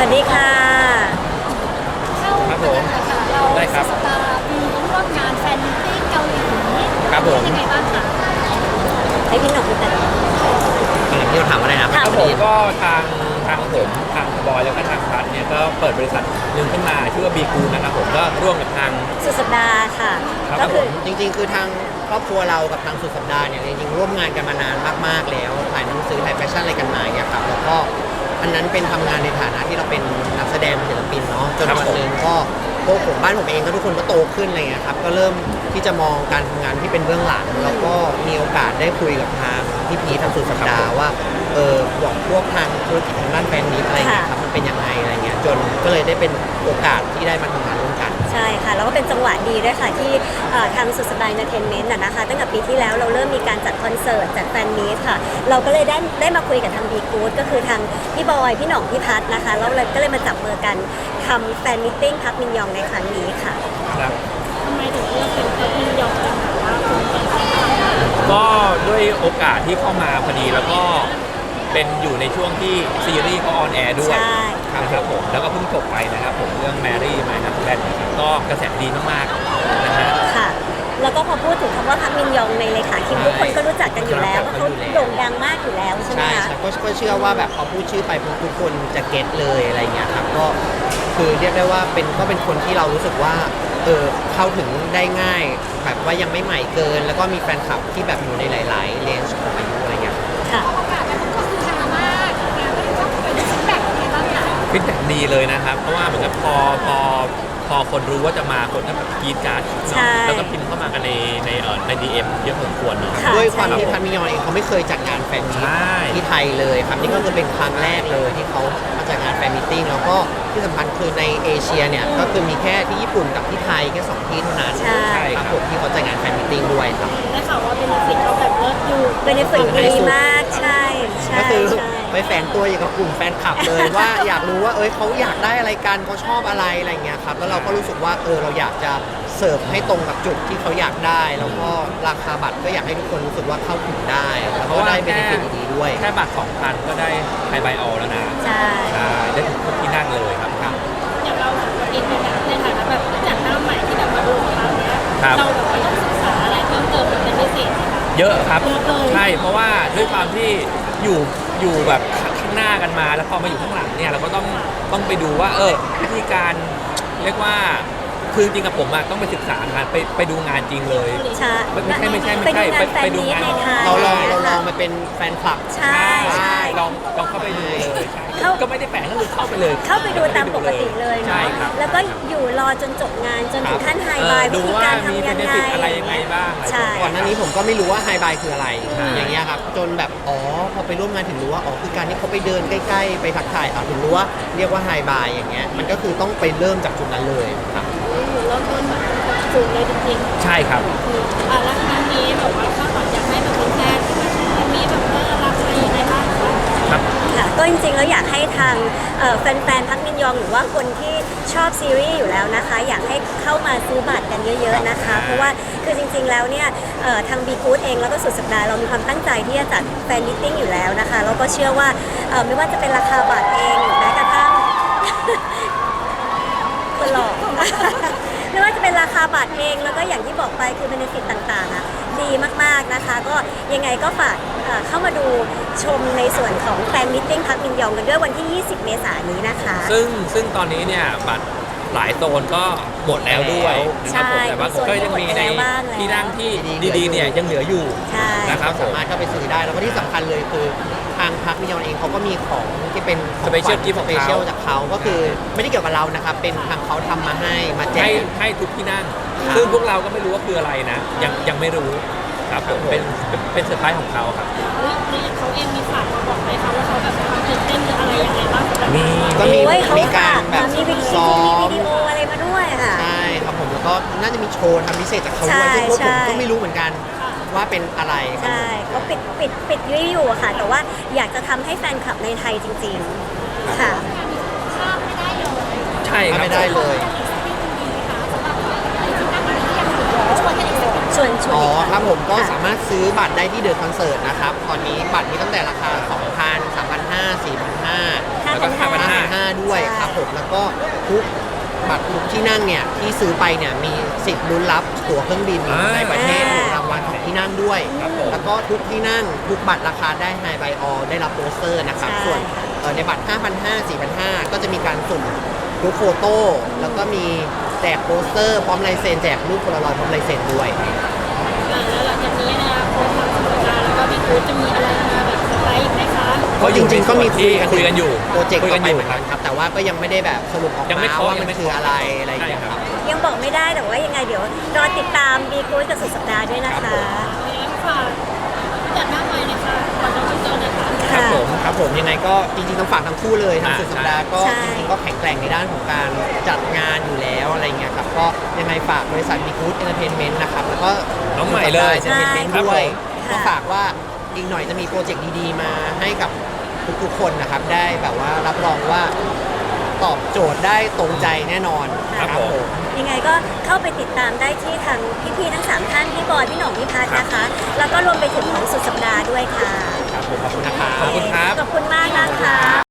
ดีค่ะครับผมได้ครับสตาร์มีร่วมงานแฟนมิตติ้งเกาหลีครับผมยังไงบ้างคะให้พี่หนุ่มพูดกันที่เราถามว่าอะไรนะครับผมก็ทางผมทางบอยแล้วก็ทางพัทเนี่ยก็เปิดบริษัทหนึ่งขึ้นมาชื่อว่าบีกูนะครับผมก็ร่วมกับทางสุดสัปดาห์ค่ะก็คือจริงๆคือทางครอบครัวเรากับทางสุดสัปดาห์เนี่ยจริงๆร่วมงานกันมานานมากๆแล้วถ่ายหนังสือถ่ายแฟชั่นอะไรกันมาเนี่ยครับแล้วก็อันนั้นเป็นทำงานในฐานะที่เราเป็นนักแสดงศิลปินเนาะจนวันหนึ่งก็พวกผมบ้านผมเองก็ทุกคนก็โตขึ้นอะไรเงี้ยครับก็เริ่มที่จะมองการทำงานที่เป็นเบื้องหลังแล้วก็มีโอกาสได้คุยกับทางพี่พีทางสุดสัปดาห์ว่าบอกพวกทางธุรกิจทางด้านแฟนมิตอะไรเงี้ยครับมันเป็นยังไงอะไรเงี้ยจนก็เลยได้เป็นโอกาสที่ได้มาทำงานร่วมกันใช่ค่ะแล้วก็เป็นจังหวะดีด้วยค่ะที่ทางสุดสัปดาห์เอนเตอร์เทนเมนต์นะคะตั้งแต่ปีที่แล้วเราเริ่มมีการจัดคอนเสิร์ตจัดแฟนมีตค่ะเราก็เลยได้มาคุยกับทางบีกู๊ดก็คือทางพี่บอยพี่หน่องพี่พัทนะคะแล้วเราก็เลยมาจับมือกันทำแฟนมิทติ้งพักมินยองในครั้งนี้ค่ะครับทำไมถึงเลือกเป็นพักมินยองกันว่าคุณเป็นแฟนคลับก็ด้วยโอกาสที่เข้ามาพอดีแล้วก็เป็นอยู่ในช่วงที่ซีรีส์เขาออนแอร์ด้วยครับผมแล้วก็เพิ่งจบไปนะครับผมเรื่องแมรี่ไมนัทแบนก็กระแสดีมากๆนะฮะค่ะแล้วก็พอพูดถึงคำว่าพักมินยองในเลขาคิมทุกคนก็รู้จักกันอยู่แล้วเพราะเขาโด่งดังมากอยู่แล้วใช่ไหมคะก็เชื่อว่าแบบพอพูดชื่อไปทุกคนจะเก็ตเลยอะไรเงี้ยครับก็คือเรียกได้ว่าเป็นคนที่เรารู้สึกว่าเข้าถึงได้ง่ายแบบว่ายังไม่ใหม่เกินแล้วก็มีแฟนคลับที่แบบอยู่ในหลายๆเลนส์ของอายุอะไรเงี้ยค่ะโอกาสนั้นก็คือฮามากงานก็คือเป็นฟีดแบ็กอะไรบ้างคะฟีดแบ็กดีเลยนะครับเพราะว่าเหมือนกับพอคนรู้ว่าจะมาคนก็แบบกรี๊ดกราดแล้วก็พิมพ์เข้ามากันในDM เยอะพอสมควรเนาะด้วยความที่พันมิยอนเองเขาไม่เคยจัดงานแฟนมีตที่ไทยเลยครับนี่ก็คือเป็นครั้งแรกเลยที่เขามาจัดงานแฟนมีตติ้งแล้วก็ที่สำคัญคือในเอเชียเนี่ยก็คือมีแค่ที่ญี่ปุ่นกับที่ไทยแค่2ที่เท่านั้นใช่ครับผมที่เขาจัดงานแฟนมีตติ้งด้วยครับได้ข่าวว่าเป็นฟิตเขาแบบเลิศอยู่เป็นฟิตดีมากใช่ก็คือไปแฝงตัวอย่างกับกลุ่มแฟนคลับเลยว่าอยากรู้ว่าเขาอยากได้อะไรกันเขาชอบอะไรเงี้ยครับแล้วเราก็รู้สึกว่าเราอยากจะเสิร์ฟให้ตรงกับจุดที่เขาอยากได้แล้วก็ราคาบัตรก็อยากให้ทุกคนรู้สึกว่าเข้าถึงได้แล้วก็ได้เบเนฟิตดีๆด้วยแค่บัตร 2,000 ก็ได้ไฮไบออลแล้วนะใช่ได้ทุกที่นั่งเลยครับอย่างเราเองในฐานะแบบจากหน้าใหม่ที่แบบมาดูของเราเนี้ยเราแบบว่าต้องศึกษาอะไรเพิ่มเติมเป็นพิเศษเยอะครับใช่เพราะว่าด้วยความที่อยู่แบบข้างหน้ากันมาแล้วพอมาอยู่ข้างหลังเนี่ยเราก็ต้องไปดูว่าวิธีการเรียกว่าคือจริงกับผมอะต้องไปศึกษางานไปดูงานจริงเลยใช่ไม่ใช่ไปดูงานเราลองมาเป็นแฟนคลับใช่ลองเข้าไปดูเลยก็ไม่ได้แฝงก็คือเข้าไปเลยเข้าไปดูตามปกติเลยเนาะแล้วก็อยู่รอจนจบงานจนถึงขั้นไฮบายวิธีการทำยังไงอะไรยังไงบ้างก่อนหน้านี้ผมก็ไม่รู้ว่าไฮบายคืออะไรอย่างเงี้ยครับจนแบบพอไปร่วมงานถึงรู้ว่าคือการที่เขาไปเดินใกล้ๆไปทักทายถึงรู้ว่าเรียกว่าไฮบายอย่างเงี้ยมันก็คือต้องไปเริ่มจากจุดนั้นเลยครับเริ่มต้นแบบสูงเลยจริงๆใช่ครับแล้วครั้งนี้แบบว่าถ้าอยากให้แบบเป็นแฟนมีแบบรับอะไรยังไงบ้างครับค่ะก็จริงๆแล้วอยากให้ทางแฟนๆพักมินยองหรือว่าคนที่ชอบซีรีส์อยู่แล้วนะคะอยากให้เข้ามาซื้อบัตรกันเยอะๆนะคะเพราะว่าคือจริงๆแล้วเนี่ยทางบีกู๊ดเองแล้วก็สุดสัปดาห์เรามีความตั้งใจที่จะจัดแฟนมิทติ้งอยู่แล้วนะคะแล้วก็เชื่อว่าไม่ว่าจะเป็นราคาบัตรเองหรือแม้กระทั่งคนหลอกไม่ว่าจะเป็นราคาบัตรเองแล้วก็อย่างที่บอกไปคือเบเนฟิตต่างๆอ่ะดีมากๆนะคะก็ยังไงก็ฝากเข้ามาดูชมในส่วนของแฟนมิทติ้งพักมินยองกันด้วยวันที่ 20 เมษายนนี้นะคะซึ่งตอนนี้เนี่ยบัตรหลายโซนก็หมดแล้วด้วยนะครับผมแต่ว่าก็ยังมีในที่นั่งที่ดีๆเนี่ยยังเหลืออยู่นะครับสามารถเข้าไปซื้อได้แล้วก็ที่สำคัญเลยคือทางพักมิยอนเองเขาก็มีของที่เป็นสเปเชียลกิฟต์สเปเชียลจากเขาก็คือไม่ได้เกี่ยวกับเรานะครับเป็นทางเขาทำมาให้มาแจกให้ทุกที่นั่งซึ่งพวกเราก็ไม่รู้ว่าคืออะไรนะยังไม่รู้ครับผมเป็นเซอร์ไพรส์ของเขาครับเขาเองมีฝากมาบอกไหมคะว่าเขาแบบตื่นเต้นหรืออะไรยังไงบ้างก็มีการแบบซ้อมวิดีโออะไรมาด้วยค่ะใช่ครับผมแล้วก็น่าจะมีโชว์ทำพิเศษจากเขาด้วยซึ่งพวกผมก็ไม่รู้เหมือนกันว่าเป็นอะไรใช่ก็ปิดวิวค่ะแต่ว่าอยากจะทำให้แฟนคลับในไทยจริงๆค่ะใช่ครับไม่ได้เลยอ๋ออีกครับผมก็ค่ะสามารถซื้อบัตรได้ที่เดอะคอนเสิร์ตนะครับตอนนี้บัตรมีตั้งแต่ราคา 2,000 3,500 4,500 แล้วก็ 5,500ด้วยครับผมแล้วก็ทุกบัตรทุกที่นั่งเนี่ยที่ซื้อไปเนี่ยมีสิทธิ์ลุ้นรับตั๋วเครื่องบินในประเทศหนึ่งรางวัลของที่นั่งด้วยครับผมแล้วก็ทุกที่นั่งทุกบัตรราคาได้ไฮไบออได้รับโปสเตอร์นะครับใช่ส่วนในบัตร 5,500 4,500 ก็จะมีการสุ่มกรุ๊ปโฟโต้แล้วก็มีแจกโปสเตอร์พร้อมลายเซ็นแจกรูปโพลารอยด์พร้อมลายเซ็นด้วยแล้วหลังจากนี้นะโค้ชทางสุดาแล้วก็พี่กู๊ดจะมีอะไรมาแบบสไลด์อีกไหมคะก็จริงๆก็มีคุยกันคุยกันอยู่โปรเจกต์คุยต่กัอน ไปอยู่เหมือนกันครับแต่ว่าก็ยังไม่ได้แบบสรุปออกยังไม่มาเคาะว่ายัมันงไม่คือเคาะอะไรอะไรอย่างเงี้ยใช่คครัรับบยังบอกไม่ได้แต่ว่ายังไงเดี๋ยวรอติดตามบีกู๊ดกับสุดสัปดาห์ด้วยนะคะแล้วฝากจัดหน้าใหม่เลยค่ะก่อนจะเจอเลยค่ะครับผมครับผมยังไงก็จริงๆต้องฝากทั้งคู่เลยทั้งสุดสัปดาห์ก็ใช่จริงๆก็แข็งแกร่งในด้านของการจัดงานอยู่แล้วอะไรเงี้ยครับก็ยังไงฝากบริษัทบีกู๊ดเอนเตอร์เทนเมนต์นะครับแล้วก็น้องใหม่เลยเอนเตอร์เทนเมนต์ครับด้วยผมก็ฝากว่าอีกหน่อยจะมีโปรเจกต์ดีๆมาให้กับทุกๆคนนะครับได้แบบว่ารับรองว่าตอบโจทย์ได้ตรงใจแน่นอนครับผมยังไงก็เข้าไปติดตามได้ที่ทางพี่ๆทั้ง 3 ท่านพี่บอยพี่หน่องพี่พัทนะคะ แล้วก็รวมไปถึงของสุดสัปดาห์ด้วยค่ะครับผมขอบคุณนะครับขอบคุณครับขอบคุณมากนะคะ